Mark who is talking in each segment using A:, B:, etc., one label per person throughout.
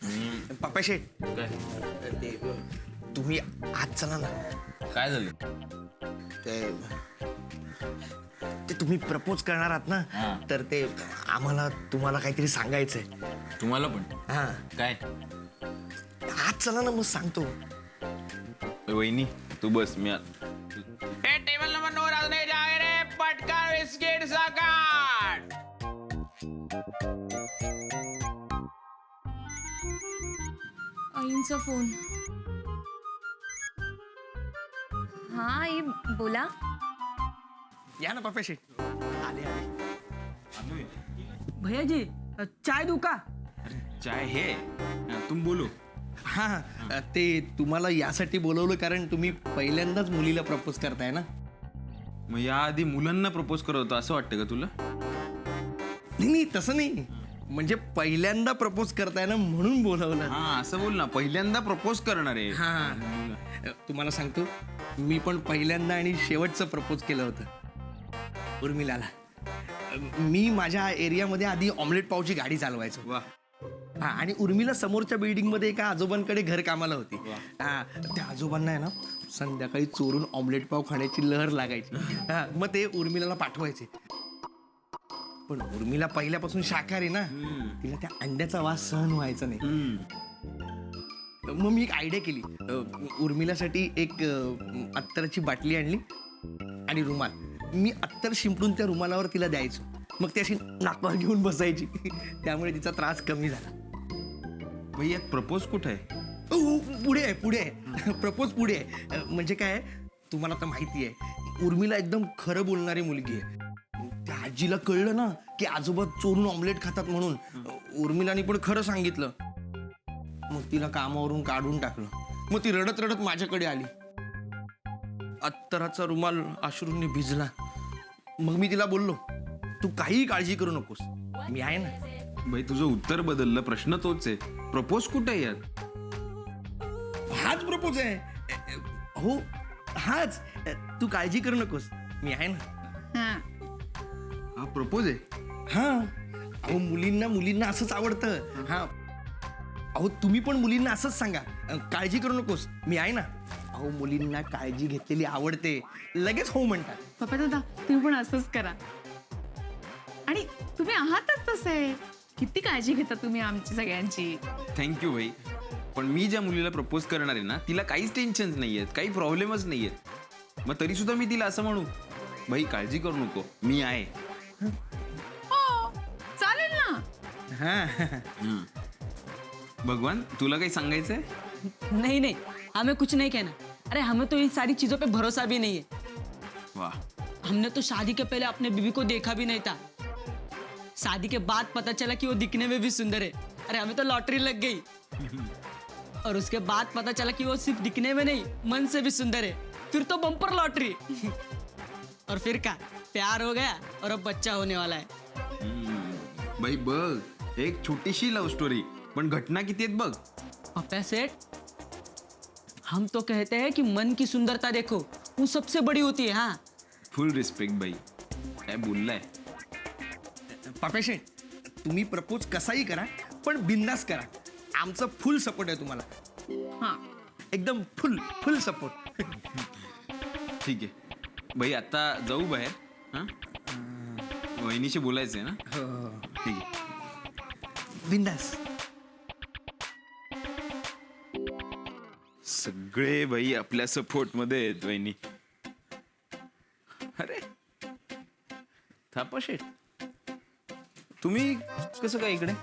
A: पप्पा शेठ
B: काय
A: ते तुम्ही आज चला ना.
B: काय झालं?
A: ते ते तुम्ही प्रपोज करणार आहात ना,
B: हां.
A: तर ते आम्हाला तुम्हाला काहीतरी सांगायचंय.
B: तुम्हाला पण
A: हा
B: काय?
A: आज चला ना, मग सांगतो.
B: वहिनी तू बस मी
C: टेबल नंबर 9 आज नाही जागे रे पटकन बिस्किट सकाट.
D: आईंचा फोन. हा आई बोला.
A: या ना पप्पा शेठ. आले आले.
E: भैया जी चाय दूं का?
B: चाय हे तुम बोलो.
A: हा ते तुम्हाला यासाठी बोलवलं कारण तुम्ही पहिल्यांदाच मुलीला प्रपोज करताय ना.
B: मग याआधी मुलांना प्रपोज करत होता असं वाटतं का तुला?
A: नाही नाही, तसं नाही. म्हणजे पहिल्यांदा प्रपोज करताय ना म्हणून बोलवलं.
B: हा असं बोल ना, पहिल्यांदा प्रपोज करणार आहे.
A: हा तुम्हाला सांगतो, मी पण पहिल्यांदा आणि शेवटचं प्रपोज केलं होतं उर्मिलाला. मी माझ्या एरियामध्ये आधी ऑमलेट पावची गाडी चालवायचो.
B: वा.
A: हा आणि उर्मिला समोरच्या बिल्डिंगमध्ये एका आजोबांकडे घर कामाला होती. हा त्या आजोबांना आहे ना संध्याकाळी चोरून ऑमलेट पाव खाण्याची लहर लागायची. हा मग ते उर्मिलाला पाठवायचे. पण उर्मिला पहिल्यापासून शाकाहारी ना, तिला त्या अंड्याचा वास सहन व्हायचा नाही. मग मी एक आयडिया केली. उर्मिलासाठी एक अत्तराची बाटली आणली आणि रुमाल. मी अत्तर शिंपडून त्या रुमालावर तिला द्यायचो. मग ती अशी नाकावर घेऊन बसायची. त्यामुळे तिचा त्रास कमी झाला.
B: भाई यात प्रपोज कुठं आहे?
A: पुढे आहे पुढे आहे. प्रपोज पुढे आहे. म्हणजे काय, तुम्हाला तर माहिती आहे उर्मिला एकदम खरं बोलणारी मुलगी आहे. त्या आजीला कळलं ना की आजोबा चोरून ऑमलेट खातात म्हणून, उर्मिलाने पण खरं सांगितलं. मग तिला कामावरून काढून टाकलं. मग ती रडत रडत माझ्याकडे आली. अत्तराचा रुमाल अश्रूंनी भिजला. मग मी तिला बोललो, तू काहीही काळजी करू नकोस, मी आहे ना.
B: भाई तुझं उत्तर बदललं, प्रश्न तोच आहे. प्रपोज कुठं आहे यात?
A: हाच प्रपोज आहे. हो हाच. तू काळजी करू नकोस, मी आहे ना.
B: हा प्रपोज आहे.
A: हा अहो मुलींना असंच आवडतं. हा अहो तुम्ही पण मुलींना असंच सांगा, काळजी करू नकोस, मी आहे ना. अहो मुलींना काळजी घेतलेली आवडते, लगेच हो म्हणतात.
F: पप्पा दादा तुम्ही पण असंच करा. आणि तुम्ही आहातच तसे. किती काळजी घेता तुम्ही आमची सगळ्यांची.
B: थँक्यू भाई. पण मी ज्या मुलीला प्रपोज करणार आहे ना, तिला काहीच टेन्शन नाही आहेत, काही प्रॉब्लेमच नाही आहेत. मग तरी सुद्धा मी तिला असं म्हणू, भाई काळजी करू नको, मी आहे.
F: हो चालेल ना.
A: हा
B: भगवान तुला काही सांगायचंय?
E: नहीं नहीं, हमें कुछ नहीं कहना. अरे हमें तो इन सारी चीजों पे भरोसा भी नहीं है.
B: वाह.
E: हमने तो शादी के पहले अपने बीवी को देखा भी नहीं था. शादी के बाद पता चला कि वो दिखने में भी सुंदर है. अरे हमें तो लॉटरी लग गई. और उसके बाद पता चला कि वो सिर्फ दिखने में नहीं, मन से भी सुंदर है. फिर तो बम्पर लॉटरी. और फिर क्या, प्यार हो गया और अब बच्चा होने वाला है.
B: भाई बघ, एक छोटीशी लव स्टोरी, पण घटना किती आहेत बघ.
E: पप्पा सेठ, हम तो कहते हैं कि मन की सुंदरता देखो, वो सबसे बड़ी होती है. हाँ
B: फुल रिस्पेक्ट भाई. काय बोललाय?
A: पापेशे, तुम्ही प्रपोज कसाही करा पण बिंदास करा. आमचा फुल सपोर्ट आहे तुम्हाला.
F: हा
A: एकदम फुल सपोर्ट.
B: ठीक आहे भाई, आता जाऊ बाहेर. हां वहिनीशी बोलायचंय ना. ठीक आहे.
A: बिंदास.
B: सगळे भाई आपल्या सपोर्ट मध्ये आहेत वहिनी. अरे थापा शेठ, तुम्ही कसं काय इकडे?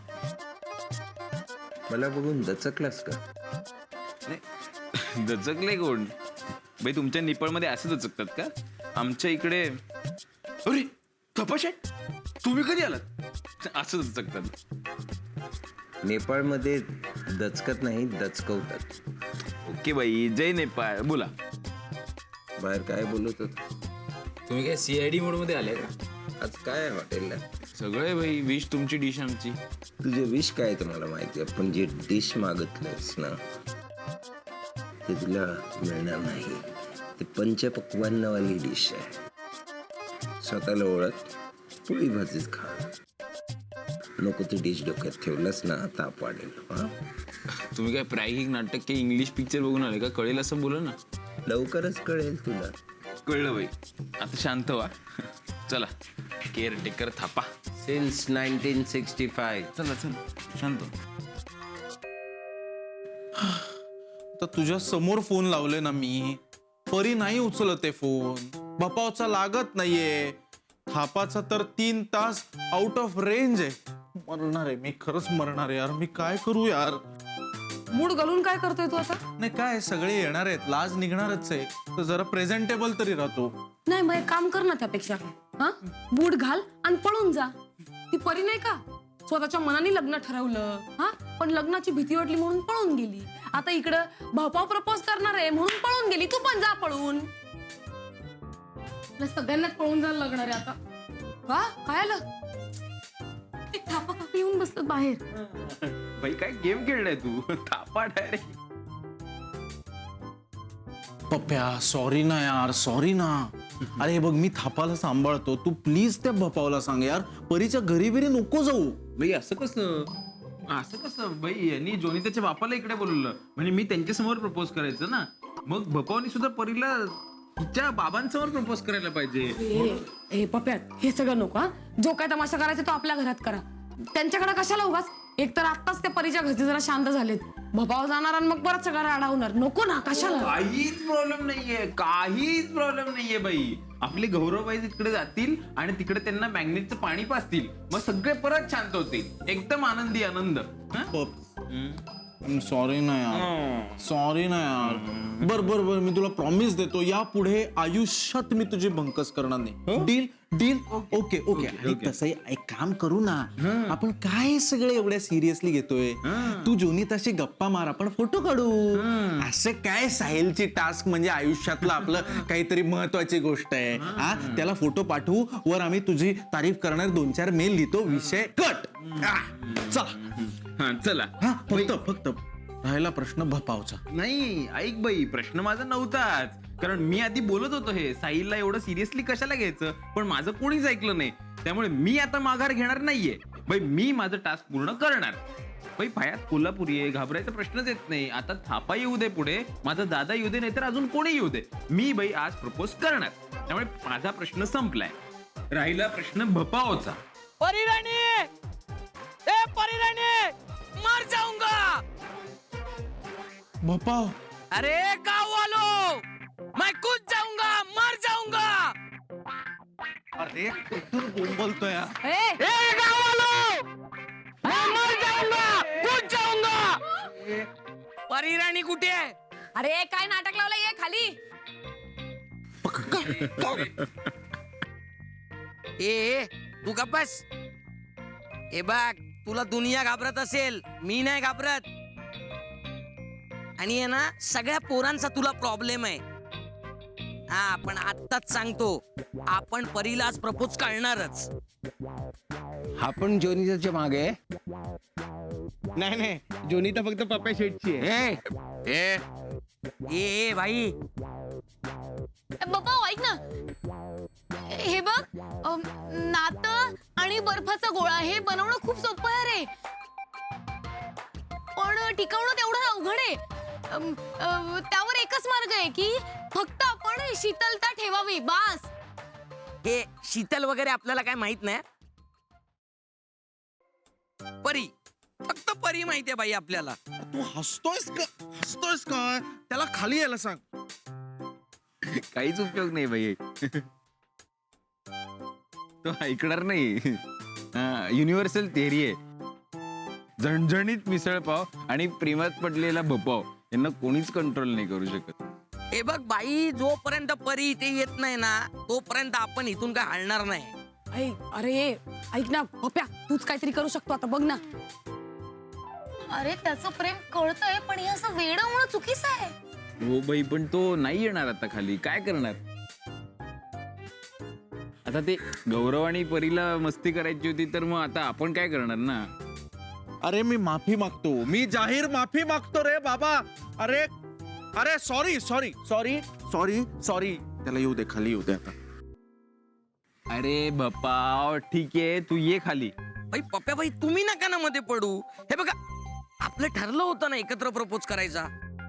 G: मला बघून दचकलास का?
B: नाही दचकले कोण भाई? तुमच्या निपळमध्ये असं दचकतात का? आमच्या इकडे अरे थापा शेठ तुम्ही कधी आलात असं दचकतात.
G: नेपाळमध्ये दचकत नाही, दचकवतात.
B: ओके भाई, जय नेपाळ. बोला.
G: बाहेर काय बोलत होत?
H: तुम्ही काय CID मोड मध्ये आले का?
G: आज काय आहे हॉटेलला?
B: सगळे भाई विश तुमची डिश आमची.
G: तुझे विश काय तुम्हाला माहिती आहे, पण जे डिश मागितलंस ना ते तुला मिळणार नाही. ते पंचपक्वान्नवाली डिश आहे. स्वतःला ओळख, पोळी भाजीच खा. नको ती डिश डोक्यात ठेवलंस ना ताप वाढेल. हा
B: तुम्ही काय प्रायोगिक नाटक की इंग्लिश पिक्चर बघून आले का? कळेल असं बोला ना.
G: लवकरच कळेल तुला.
B: कळलं बाई. आता शांत व्हा. चला केअरटेकर थापा.
G: सिन्स 1965.
B: चला चला शांत.
I: तर तुझ्या समोर फोन लावले ना मी, परी नाही उचलत आहे फोन. भपावचा लागत नाहीये. थापाचा तर 3 तास आउट ऑफ रेंज आहे. मरणार आहे मी, खरंच मरणार आहे यार. मी काय करू यार?
J: मूड घालून काय करतोय तू आता?
I: नाही काय, सगळे येणार आहेत, लाज निघणारच आहे, तर जरा प्रेझेंटेबल तरी राहतो.
J: नाही मग एक काम कर ना त्यापेक्षा. हा मूड घाल आणि पळून जा. ती परी नाही का स्वतःच्या मनाने लग्न ठरवलं, हा पण लग्नाची भीती वाटली म्हणून पळून गेली. आता इकडं भाऊपाव प्रपोज करणार आहे म्हणून पळून गेली. तू पण जा पळून. सगळ्यांनाच पळून जायला लागणार आहे आता. का काय आलं? ते थापा कापी येऊन बसतात बाहेर.
B: बाई काय गेम खेळलाय तू? थापा डायरेक्ट.
I: पप्प्या सॉरी ना यार, सॉरी ना. अरे हे बघ, मी थापाला सांभाळतो, तू प्लीज त्या भपावला सांग यार, परीच्या घरी बिरी नको जाऊ.
B: बाई असं कसं? असं कसं बाई? यांनी जोनिताच्या बापाला इकडे बोलवलं म्हणजे मी त्यांच्या समोर प्रपोज करायचं ना. मग भपावनी सुद्धा परीला तिच्या बाबांसमोर प्रपोज करायला पाहिजे.
J: ए पप्प्या हे सगळं नको. हा जो काय तमाशा करायचा तो आपल्या घरात करा. त्यांच्याकडे कशाला उगाच? एक तर आत्ताच त्या परीच्या घरचे जरा शांत झालेत. भपाव जाणार आणि मग परत सगळं राडा होणार. नको ना, कशाला?
B: काहीच प्रॉब्लेम नाहीये, काहीच प्रॉब्लेम नाहीये बाई. आपले गौरवबाई तिकडे जातील आणि तिकडे त्यांना मॅग्नेटचं पाणी पाजतील, मग सगळे परत शांत होतील. एकदम आनंदी आनंद.
I: सॉरी ना यार, सॉरी ना यार. बर बर बर, मी तुला प्रॉमिस देतो, यापुढे आयुष्यात मी तुझी भंकस करणार नाही. Deal deal. Okay okay. आणि तसंही एक काम करू ना, आपण काय सगळे एवढ्या सिरियसली घेतोय? तू जोनिताशी गप्पा मार, आपण फोटो काढू. असं काय साहिलची टास्क म्हणजे आयुष्यातलं आपलं काहीतरी महत्वाची गोष्ट आहे. हा त्याला फोटो पाठवू, वर आम्ही तुझी तारीफ करणार 2-4 मेल लिहितो, विषय कट. चला
B: चला.
I: हा फक्त राहिला प्रश्न भपावचा.
B: नाही ऐक बाई, प्रश्न माझा नव्हताच. कारण मी आधी बोलत होतो हे साहिलला एवढं सिरियसली कशाला घ्यायचं, पण माझं कोणीच ऐकलं नाही. त्यामुळे मी आता माघार घेणार नाहीये बाई. मी माझं टास्क पूर्ण करणार. बाई पायात कोल्हापुरी आहे, घाबरायचा प्रश्नच येत नाही. आता थापा येऊ दे पुढे, माझा दादा येऊ दे, नाहीतर अजून कोणी येऊ दे, मी बाई आज प्रपोज करणार. त्यामुळे माझा प्रश्न संपलाय. राहिला प्रश्न भपावचा.
E: परिराणी, ए परिराणी, मर जाऊंगा.
I: भपाव,
E: अरे गाँव वालों, मैं कूद जाऊंगा, मर जाऊंगा.
I: अरे कुठून बोलतोय यार?
E: ए गाँव वालों, मैं मर जाऊंगा, कूद जाऊंगा. परिराणी कुठे आहे?
J: अरे काय नाटक लावलंय? ये खाली.
E: ए तू का बस. ए बघ, तुला दुनिया घाबरत असेल, मी नाही घाबरत. आणि आहे ना, सगळ्या पोरांचा तुला प्रॉब्लेम आहे. हा पण आत्ताच सांगतो, आपण परीला आज प्रपोज करणारच.
G: हा पण जोनिताच्या मागे.
A: नाही जोनिता फक्त पप्प्या शेटची आहे.
E: ए ए ए भाई,
D: बाबा ऐक ना, हे बघ, नातं आणि बर्फाचा गोळा हे बनवणं खूप सोपं आहे रे, पण टिकवणं तेवढं अवघड आहे. त्यावर एकच मार्ग आहे की फक्त आपण शीतलता ठेवावी, बास.
E: हे शीतल वगैरे आपल्याला काय माहित नाही. परी, फक्त परी माहितीये बाई आपल्याला.
I: तू हसतोयस का? त्याला खाली यायला सांग.
B: काहीच उपयोग नाही बाई. तो ऐकणार नाही. युनिव्हर्सल थिअरी आहे. झणझणीत मिसळपाव आणि प्रेमात पडलेला भपाव यांना कोणीच कंट्रोल नाही करू शकत.
E: हे बघ बाई, जोपर्यंत परी इथे येत नाही ना, तोपर्यंत आपण इथून काय हलणार नाही.
J: अरे ऐक ना पप्प्या, तूच काहीतरी करू शकतो आता, बघ ना.
D: अरे त्याचं प्रेम कळतंय, पण हे असं वेडं होणं चुकीचं आहे.
B: हो बाई, पण तो नाही येणार आता खाली. काय करणार आता? ते गौरव आणि परीला मस्ती करायची होती, तर मग आता आपण काय करणार ना?
I: अरे मी माफी मागतो, मी जाहीर माफी मागतो रे बाबा. अरे अरे sorry sorry sorry sorry sorry. त्याला येऊ दे, खाली येऊ दे आता.
B: अरे भपाव, ठीक आहे, तू ये खाली.
K: भाई पप्प्याबाई तुम्ही नका ना मध्ये पडू. हे बघा आपलं ठरलं होतं ना एकत्र प्रपोज करायचा.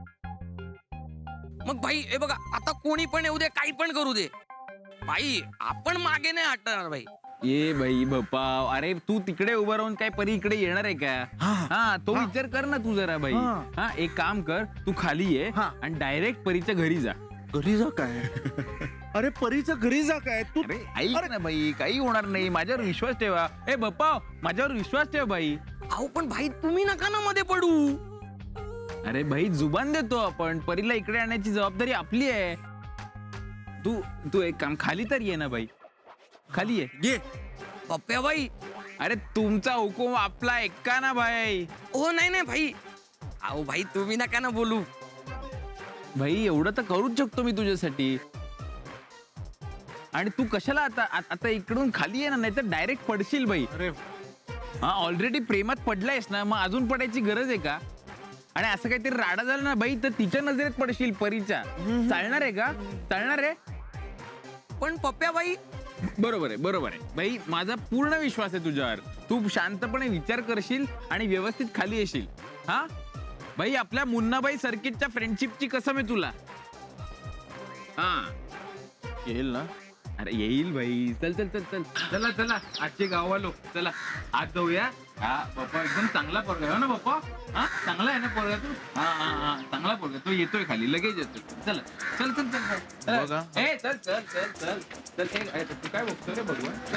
K: मग भाई हे बघा आता कोणी पण येऊ दे काही पण करू दे भाई आपण मागे नाही हटणार भाई.
B: ये बाई बाप्पा, अरे तू तिकडे उभं राहून काय परी इकडे येणार आहे का? हा तो विचार कर ना तू जरा बाई. हा एक काम कर, तू खाली ये आणि डायरेक्ट परीच्या घरी जा.
I: घरी जा काय? अरे परीच्या घरी जा काय तू?
B: अरे ऐक ना बाई, काही होणार नाही, माझ्यावर विश्वास ठेवा. ए बाप्पा माझ्यावर विश्वास ठेव बाई.
K: अहो पण भाई तुम्ही नका ना मध्ये पडू.
B: अरे भाई जुबान देतो आपण, परीला इकडे आणण्याची जबाबदारी आपली आहे. तू तू एक काम, खाली तर ये ना बाई, खाली ये.
K: पप्प्याबाई
B: अरे तुमचा हुकूम आपला ऐका ना भाई.
K: ओ नाही नाही भाई. अहो भाई तुम्ही नका ना बोलू.
B: भाई एवढं तर करूच शकतो मी तुझ्यासाठी. आणि तू कशाला आता आता इकडून खाली ये ना, नाही तर डायरेक्ट पडशील बाई. हा ऑलरेडी प्रेमात पडलायस ना, मग अजून पडायची गरज आहे का? आणि असं काहीतरी राडा झाला ना बाई तर तिच्या नजरेत पडशील परीच्या. चालणार आहे का? चालणार आहे?
K: पण पप्प्याबाई
B: बरोबर आहे, बरोबर आहे बाई, माझा पूर्ण विश्वास आहे तुझ्यावर. तू शांतपणे विचार करशील आणि व्यवस्थित खाली येशील. हा बाई आपल्या मुन्नाबाई सर्किटच्या फ्रेंडशिपची कसम आहे तुला. हा
I: येईल ना?
B: अरे येईल भाई. चल चल चल चल चला चला आजचे गावालो चला आज जाऊया. हा पप्पा एकदम चांगला पोरगा आहे ना पप्पा. हा चांगला आहे ना पोरगा तू. हा हा हा चांगला पोरगा, तो येतोय खाली लगेच येतोय. चला चल चल चल
I: बघा.
B: ए चल चल चल चल चल. तू काय बघतोय रे भगवान? चल.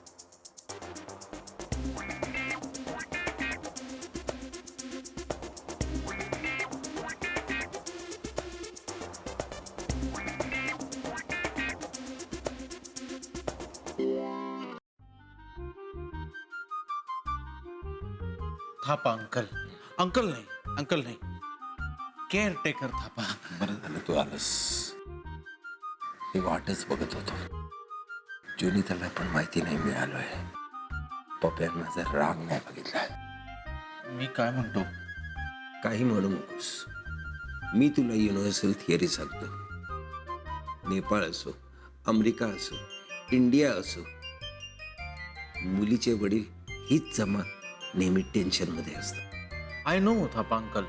I: थापा अंकल. अंकल नाही, अंकल नाही, केअर टेकर थापा.
G: बरं झालं तू आलंस. मी वाटच बघत होतो. जोनिताला पण माहिती नाही मिळालोय. पप्प्यान माझा राग नाही बघितला.
I: मी काय म्हणतो,
G: काही म्हणू नकोस. मी तुला युनिव्हर्सल थिअरी सांगतो. नेपाळ असो, अमेरिका असो, इंडिया असो, मुलीचे वडील हीच जमात नेहमी टेन्शन मध्ये असतात.
I: I know Thapa uncle,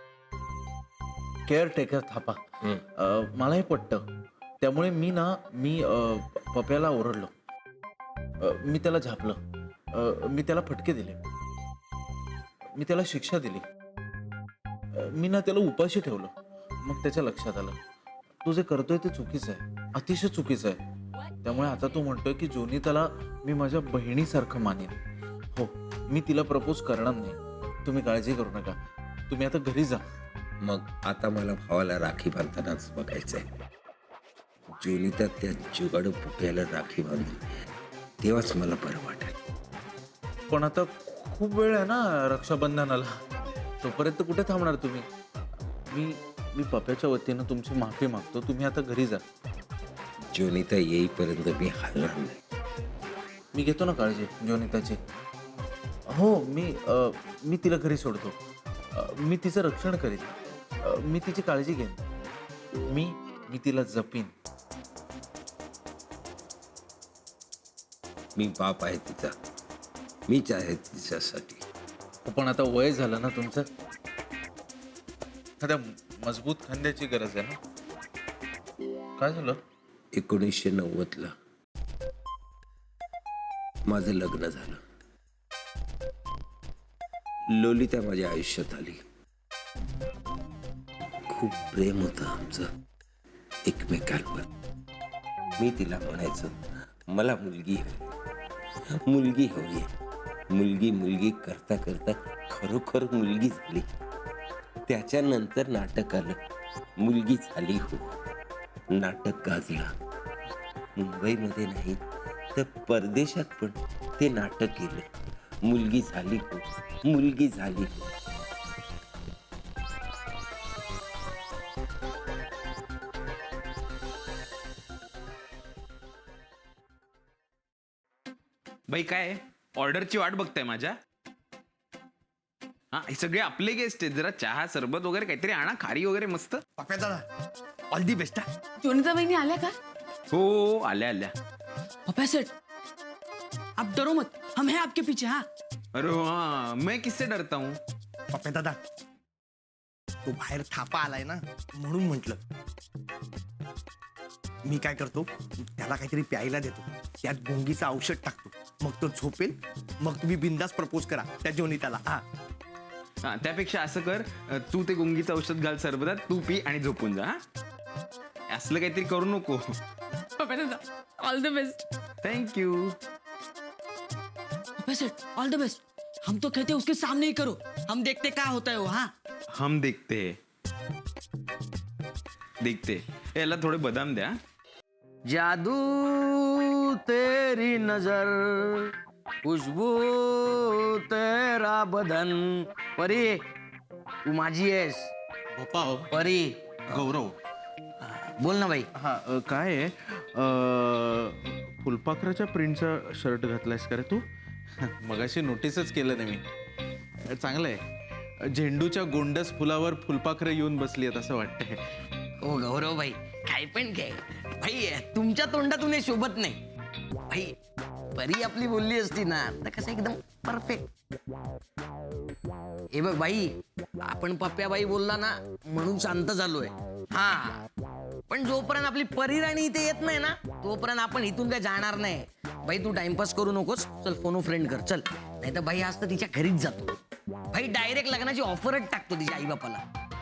I: caretaker Thapa. मलाही पटतं. त्यामुळे मी पप्याला ओरडलो. मी त्याला झापलं. मी त्याला फटके दिले. मी त्याला शिक्षा दिली. मी ना त्याला उपाशी ठेवलं. मग त्याच्या लक्षात आलं तू जे करतोय ते चुकीचं आहे, अतिशय चुकीचं आहे. त्यामुळे आता तू म्हणतोय की जोनिताला मी माझ्या बहिणीसारखं मानेन. हो, मी तिला प्रपोज करणार नाही. तुम्ही काळजी करू नका. तुम्ही आता घरी जा.
G: मग आता मला भावाला राखी बांधतानाच बघायचंय. जोनिता त्या जुगाडू पुप्याला राखी बांधली तेव्हाच मला बरं वाटेल.
I: पण आता खूप वेळ आहे ना रक्षाबंधनाला. तोपर्यंत कुठे थांबणार तुम्ही? मी पप्याच्या वतीनं तुमची माफी मागतो. तुम्ही आता घरी जा.
G: जोनिता येईपर्यंत मी हलणार नाही.
I: मी घेतो ना काळजी जोनिताची. हो, मी तिला घरी सोडतो. मी तिचं रक्षण करीन. मी तिची काळजी घेईन. मी तिला जपीन.
G: मी बाप आहे तिचा. मीच आहे तिच्यासाठी.
I: पण आता वय झालं ना तुमचं. आता मजबूत खांद्याची गरज आहे ना. काय झालं?
G: 1990ला माझं लग्न झालं. लोलिता माझ्या आयुष्यात आली. खूप प्रेम होतं आमचं एकमेकांवर. मी तिला म्हणायचं मला मुलगी हवी, मुलगी हवी. मुलगी मुलगी करता करता खरोखर मुलगी झाली. त्याच्यानंतर नाटक आलं, मुलगी झाली हो. नाटक गाजलं. मुंबईमध्ये नाही तर परदेशात पण ते नाटक केलं. मुलगी झाली हो, मुलगी झाली हो.
B: बाई काय ऑर्डरची वाट बघताय माझ्या? हा हे सगळे आपले गेस्ट आहेत. जरा चहा सरबत वगैरे काहीतरी आणा, खारी वगैरे मस्त.
A: पप्प्या दादा ऑल दी बेस्ट.
J: जोनिता बहिणी आल्या का?
B: हो आल्या आल्या.
E: पप्या सेठ आप डरो मत, हम हैं आपके पीछे हाँ.
B: अरे हाँ, मैं किससे डरता हूँ?
A: पप्या दादा तो बाहेर थापा आलाय ना म्हणून म्हटलं. मी काय करतो त्याला काहीतरी प्यायला देतो, त्यात गुंगीचं औषध टाकतो, मग तो झोपेल, मग तुम्ही बिंदास प्रपोज करा त्या जोनिताला. हा
B: हा, त्यापेक्षा असं कर, तू ते गुंगीचं औषध घाल सरबतात, तू पी आणि झोपून जा. हा? असलं काहीतरी करू नको.
F: पप्या दादा ऑल द बेस्ट.
B: थँक्यू.
E: वैसे ऑल द बेस्ट. हम तो कहते हैं उसके सामने ही करो, हम देखते क्या होता है वो. हाँ
B: हम देखते याला थोडे बदाम द्या.
K: जादू तेरी नजर, खुशबू तेरा बदन. परी तू माझी आहेस.
I: भोपा हो.
K: परी
I: गौरव.
K: बोल ना बाई.
I: हा काय आहे फुलपाखराच्या प्रिंटचा शर्ट घातलायस का रे तू? मगाशी नोटीसच केलं नाही मी. चांगलं आहे. झेंडूच्या गोंडस फुलावर फुलपाखरं येऊन बसली आहेत असं वाटतंय.
K: ओ गौरव भाई काय पण काय भाई, तुमच्या तोंडातून हे शोभत नाही भाई. परी आपली बोलली असती ना तर कसं एकदम परफेक्ट. हे बघ बाई, आपण पप्प्याबाई बोलला ना म्हणून शांत झालोय. हा पण जोपर्यंत आपली परी राणी इथे येत नाही ना तोपर्यंत आपण इथून काय जाणार नाही. भाई तू टाइमपास करू नकोस, चल फोन फ्रेंड कर चल. नाही तर भाई आज तर तिच्या घरीच जातो. भाई डायरेक्ट लग्नाची ऑफरच टाकतो तिच्या आई बापाला.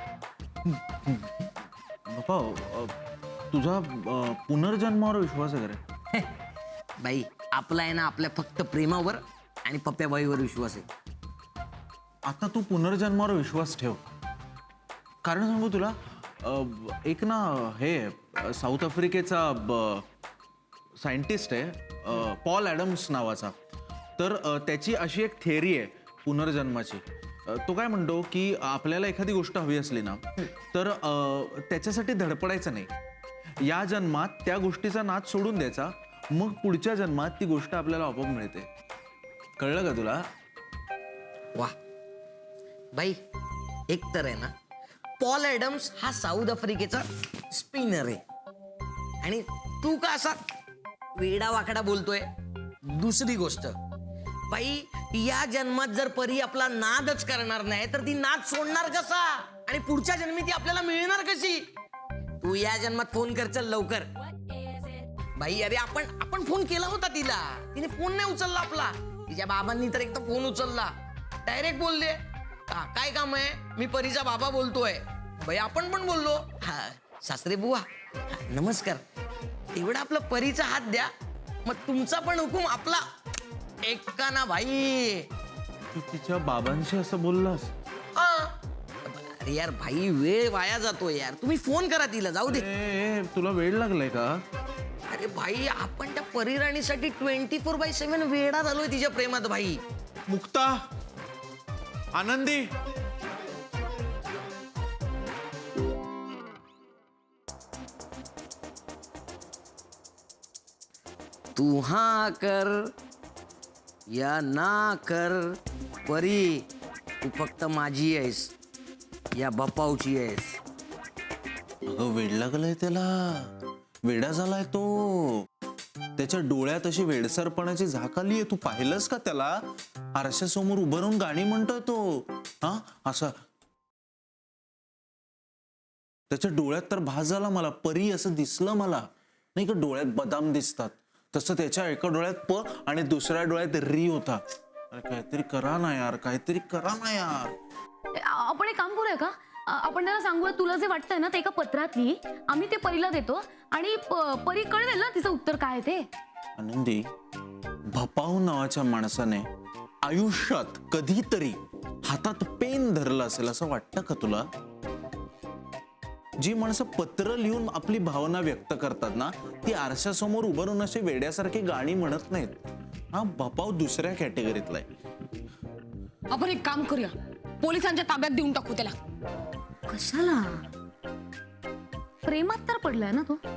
I: बापा तुझा पुनर्जन्मावर विश्वास आहे का रे?
K: बाई आपला आहे ना आपल्या फक्त प्रेमावर आणि पप्प्याबाईवर विश्वास आहे.
I: आता तू पुनर्जन्मावर विश्वास ठेव. कारण सांगू तुला, एक ना हे साऊथ आफ्रिकेचा सायंटिस्ट आहे पॉल ॲडम्स नावाचा. तर त्याची अशी एक थेअरी आहे पुनर्जन्माची. तो काय म्हणतो की आपल्याला एखादी गोष्ट हवी असली ना तर त्याच्यासाठी धडपडायचं नाही. या जन्मात त्या गोष्टीचा नाद सोडून द्यायचा, मग पुढच्या जन्मात ती गोष्ट आपल्याला आपोआप मिळते. कळलं का तुला?
K: वा बाई, एक तर आहे ना पॉल ॲडम्स हा साऊथ आफ्रिकेचा स्पिनर आहे आणि तू का असा वेडा वाकडा बोलतोय. दुसरी गोष्ट बाई, या जन्मात जर परी आपला नादच करणार नाही तर ती नाद सोडणार कसा आणि पुढच्या जन्मी ती आपल्याला मिळणार कशी? तू या जन्मात फोन कर चल लवकर. बाई अरे आपण फोन केला होता तिला, तिने फोन नाही उचलला आपला. तिच्या बाबांनी तर एकदा फोन उचलला, डायरेक्ट बोलले काय काम आहे, मी परीचा बाबा बोलतोय. बाई आपण पण बोललो हा सासरे बुवा नमस्कार. एवढा आपला परीचा हात द्या, मग तुमचा पण हुकूम आपला ऐका ना भाई.
I: तू तिच्या बाबांशी असं बोललास?
K: अरे यार भाई वेळ वाया जातो यार. तुम्ही फोन करा तिला, जाऊ दे.
I: तुला वेळ लागलाय का?
K: अरे भाई आपण त्या परिराणीसाठी 24/7 वेडा झालोय तिच्या प्रेमात भाई.
I: मुक्ता, आनंदी,
K: तू हा कर या ना कर परी, तू फक्त माझी आहेस या बापावची आहेस.
I: अगं वेड लागलंय त्याला, वेडा झालाय तो. त्याच्या डोळ्यात अशी वेडसरपणाची झाक आलीये. तू पाहिलंस का त्याला? आरशासमोर उभं राहून गाणी म्हणतोय तो. हा असं त्याच्या डोळ्यात तर भास झाला मला, परी असं दिसलं मला. नाही का डोळ्यात बदाम दिसतात तसं त्याच्या एका डोळ्यात प आणि दुसऱ्या डोळ्यात री होता. अरे काहीतरी करा ना यार, काहीतरी करा ना यार.
D: आपण एक काम करूया का, आपण त्याला सांगूया तुला जे वाटतंय ना ते एका पत्रात लिही, आम्ही ते परीला देतो आणि परी कळवेल ना तिचं उत्तर काय ते.
I: आनंदी, भपाऊ नावाच्या माणसाने आयुष्यात कधीतरी हातात पेन धरलं असेल असं वाटतं का तुला? जी माणसं पत्र लिहून आपली भावना व्यक्त करतात ना ती आरशासमोर उभं राहून अशी वेड्यासारखी गाणी म्हणत नाहीत. हा भपाऊ दुसऱ्या कॅटेगरीतला आहे.
J: आपण एक काम करूया, पोलिसांच्या ताब्यात देऊन टाकू त्याला.
D: कशाला? प्रेमात तर पडलाय ना तो.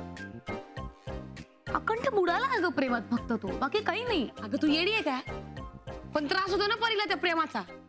D: अखंड बुडाला आहे ग प्रेमात फक्त तो, बाकी काही नाही.
J: अगं तू येडी आहे काय? पण त्रास होतो ना परीला त्या प्रेमाचा.